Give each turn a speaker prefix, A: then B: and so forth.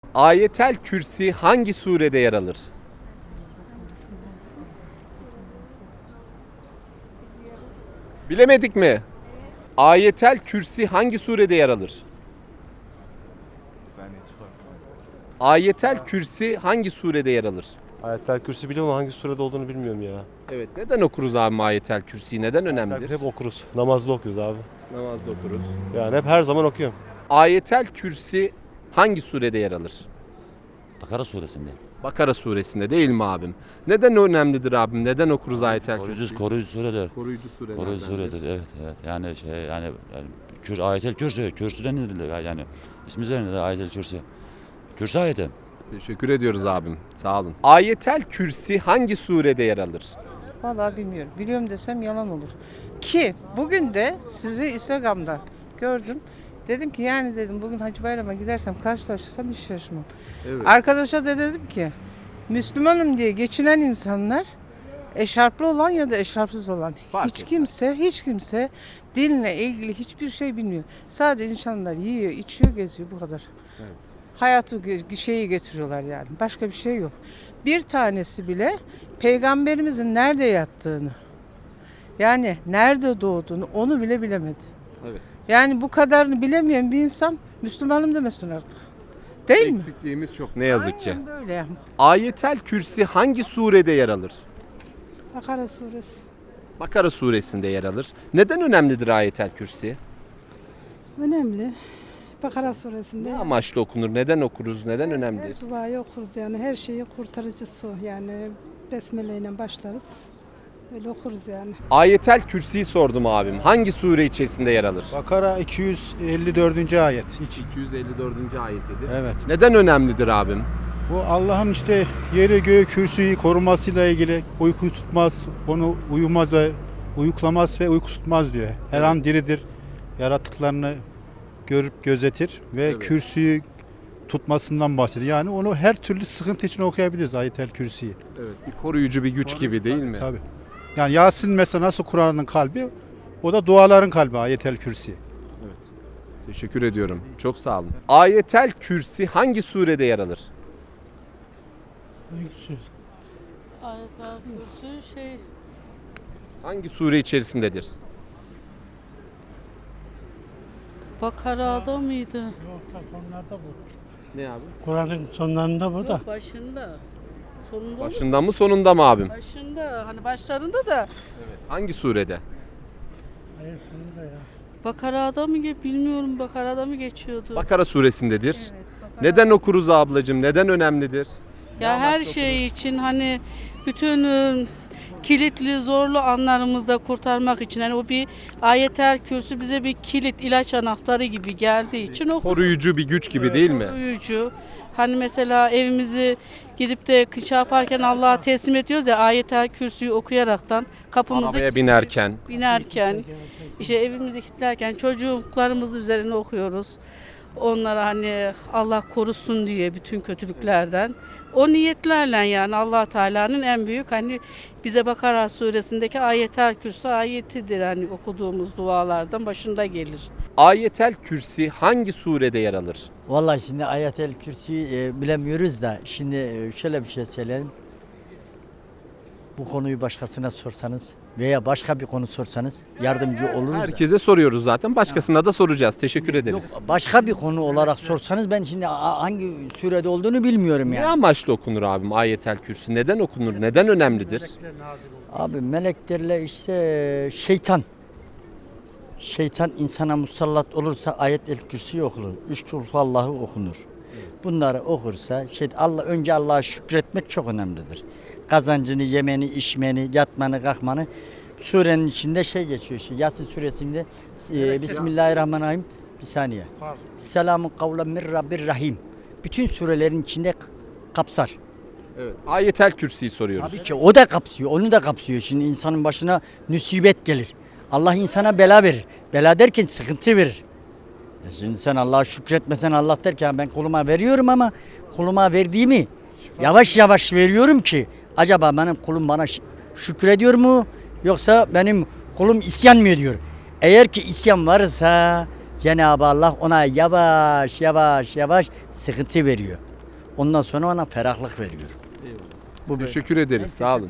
A: Ayetel Kürsi hangi surede yer alır? Bilemedik mi? Ayetel Kürsi hangi surede yer alır? Ayetel Kürsi hangi surede yer alır?
B: Ayetel Kürsi biliyorum ama hangi surede olduğunu bilmiyorum ya.
A: Evet, neden okuruz abi Ayetel Kürsi'yi? Neden önemlidir?
B: Hep okuruz. Namazda okuyoruz abi.
A: Namazda okuruz.
B: Yani hep her zaman okuyorum.
A: Ayetel Kürsi hangi surede yer alır?
C: Bakara suresinde.
A: Bakara suresinde değil mi abim? Neden önemlidir abim? Neden okuruz Ayetel Kürsi'yi?
C: Koruyucu suredir.
A: Koruyucu surelerdendir.
C: Koruyucu suredir. Evet. Yani Ayetel Kürsi. Kürsüden nedir yani? İsmi üzerinde de Ayetel Kürsi. Kürsi ayeti.
A: Teşekkür ediyoruz abim. Sağ olun. Ayetel Kürsi hangi surede yer alır?
D: Vallahi bilmiyorum. Biliyorum desem yalan olur. Ki bugün de sizi Instagram'da gördüm. Dedim ki yani dedim bugün Hacı Bayram'a gidersem karşılaşırsam hiç şaşırmam.
A: Evet.
D: Arkadaşa da dedim ki Müslümanım diye geçinen insanlar eşarplı olan ya da eşarpsız olan
A: Fark
D: hiç kimse dinle ilgili hiçbir şey bilmiyor. Sadece insanlar yiyor, içiyor, geziyor bu kadar.
A: Evet.
D: Hayatı şeyi getiriyorlar yani. Başka bir şey yok. Bir tanesi bile peygamberimizin nerede yattığını, yani nerede doğduğunu onu bile bilemedi.
A: Evet.
D: Yani bu kadarını bilemeyen bir insan Müslümanım demesin artık. Değil mi?
A: Eksikliğimiz çok ne yazık ki.
D: Aynen böyle.
A: Ayetel Kürsi hangi surede yer alır?
E: Bakara suresi.
A: Bakara suresinde yer alır. Neden önemlidir Ayetel Kürsi?
E: Önemli. Bakara suresinde
A: Ne amaçlı okunur? Neden okuruz? Neden önemlidir?
E: her duayı okuruz yani her şeyi kurtarıcısı o. Yani besmele ile başlarız. Öyle okuruz yani.
A: Ayetel Kürsi'yi sordum abim. Hangi sure içerisinde yer alır?
F: Bakara 254. ayet.
A: 254. ayetidir.
F: Evet.
A: Neden önemlidir abim?
F: Bu Allah'ın işte yeri göğü kürsüyü korumasıyla ilgili uyku tutmaz, onu uyuklamaz ve uyku tutmaz diyor. Her an diridir. Yaratıklarını görüp gözetir ve
A: Evet.
F: kürsüyü tutmasından bahsediyor. Yani onu her türlü sıkıntı için okuyabiliriz Ayetel Kürsi'yi.
A: Evet. Bir koruyucu bir güç gibi değil mi?
F: Tabii. Yani Yasin mesela nasıl Kur'an'ın kalbi, o da duaların kalbi Ayetel Kürsi.
A: Teşekkür ediyorum. Çok sağ olun. Ayetel Kürsi hangi surede yer alır?
G: Ayetel Kürsü
A: Hangi sure içerisindedir?
G: Bakara'da mıydı?
A: Ne abi?
H: Kur'an'ın sonlarında bu da.
G: Yok başında. Sonunda olur.
A: Başında mı sonunda mı abim?
G: Başında hani başlarında da
A: Hangi surede?
H: Hayır sonunda ya.
G: Bakara'da mı bilmiyorum Bakara'da mı geçiyordu?
A: Bakara suresindedir.
G: Evet, Bakara.
A: Neden okuruz ablacığım? Neden önemlidir?
G: Ya her şey için hani bütün kilitli zorlu anlarımızda kurtarmak için hani o bir Ayetel Kürsü bize bir kilit ilaç anahtarı gibi geldiği için o
A: Koruyucu bir güç gibi değil mi?
G: koruyucu. Hani mesela evimizi gidip de şey yaparken Allah'a teslim ediyoruz ya Ayetel Kürsü'yü okuyaraktan kapımızı
A: Arabaya binerken.
G: işte evimizi kilitlerken çocuklarımız üzerine okuyoruz. Onlara hani Allah korusun diye bütün kötülüklerden. O niyetlerle yani Allah Teala'nın en büyük hani bize Bakara suresindeki Ayetel Kürsü ayetidir hani okuduğumuz dualardan başında gelir.
A: Ayetel Kürsi hangi surede yer alır?
I: Vallahi şimdi Ayetel Kürsi'yi bilemiyoruz da şimdi şöyle bir şey söyleyelim. Bu konuyu başkasına sorsanız veya başka bir konu sorsanız yardımcı oluruz.
A: Herkese soruyoruz zaten. Başkasına da soracağız. Teşekkür ederiz.
I: Yok, başka bir konu olarak sorsanız ben şimdi hangi sürede olduğunu bilmiyorum
A: Ne
I: yani.
A: amaçlı okunur abim Ayetel Kürsi? Neden okunur? Neden önemlidir?
I: Abi meleklerle işte şeytan insana musallat olursa Ayetel Kürsi okunur. Üç kul Allah'ı okunur. Bunları okursa önce Allah'a şükretmek çok önemlidir. Kazancını, yemeni, içmeni, yatmanı, kalkmanı surenin içinde geçiyor. Yasin suresinde Bismillahirrahmanirrahim. Bir saniye. Selamun kavlen min Rabbir Rahim. Bütün surelerin içinde kapsar.
A: Evet. Ayetel Kürsi'yi soruyoruz.
I: Tabii ki o da kapsıyor, onu da kapsıyor. Şimdi insanın başına musibet gelir. Allah insana bela verir. Bela derken sıkıntı verir. Şimdi sen Allah'a şükretmesen Allah der ki ben kuluma veriyorum ama kuluma verdiğimi yavaş yavaş veriyorum ki acaba benim kulum bana şükrediyor mu yoksa benim kulum isyan mı ediyor? Eğer ki isyan varsa Cenab-ı Allah ona yavaş yavaş sıkıntı veriyor. Ondan sonra ona ferahlık veriyor. Bu böyle.
A: Teşekkür ederiz. Sağ olun.